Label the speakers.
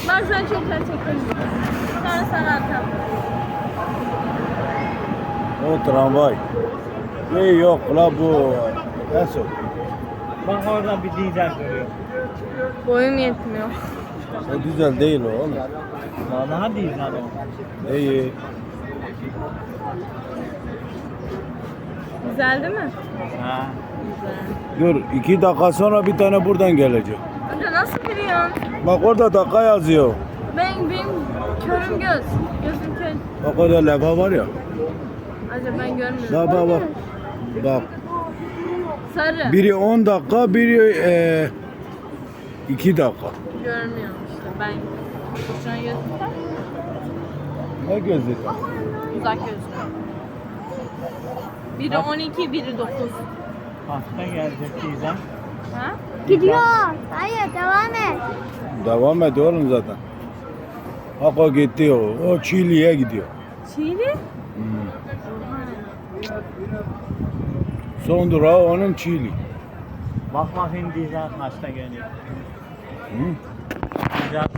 Speaker 1: Bak sen çok çekelim. Sonra sana atalım.
Speaker 2: O tramvay. Yok la bu. Nasıl?
Speaker 3: Bak orada bir dizel görüyor.
Speaker 1: Boyum yetmiyor.
Speaker 2: O güzel değil o oğlum.
Speaker 3: Vallahi dizel o.
Speaker 2: İyi.
Speaker 1: Güzel değil mi?
Speaker 3: Ha.
Speaker 1: Güzel.
Speaker 2: Dur 2 dakika sonra bir tane buradan gelecek.
Speaker 1: Amca nasıl biliyorsun?
Speaker 2: Bak orada dakika yazıyor.
Speaker 1: Benim körüm göz. Gözüm kör.
Speaker 2: Bak orada levha var ya.
Speaker 1: Acaba ben görmüyorum.
Speaker 2: Bak. Bak.
Speaker 1: Sarı.
Speaker 2: Biri 10 dakika, biri 2 dakika.
Speaker 1: Görmüyorum işte ben. Şu an gözüm
Speaker 2: Ne gözü?
Speaker 1: uzak gözüm. Biri 12, biri 9.
Speaker 3: Hasta gelecek dizel.
Speaker 1: Ha?
Speaker 4: Gidiyor. Hayır devam et.
Speaker 2: Devam et oğlum zaten. Bak o gitti o. O Çiğli'ye gidiyor.
Speaker 1: Çiğli?
Speaker 2: Son durağı onun Çiğli.
Speaker 3: Bak bakayım dizel kaçta geliyor.
Speaker 2: Hı?
Speaker 3: Dizel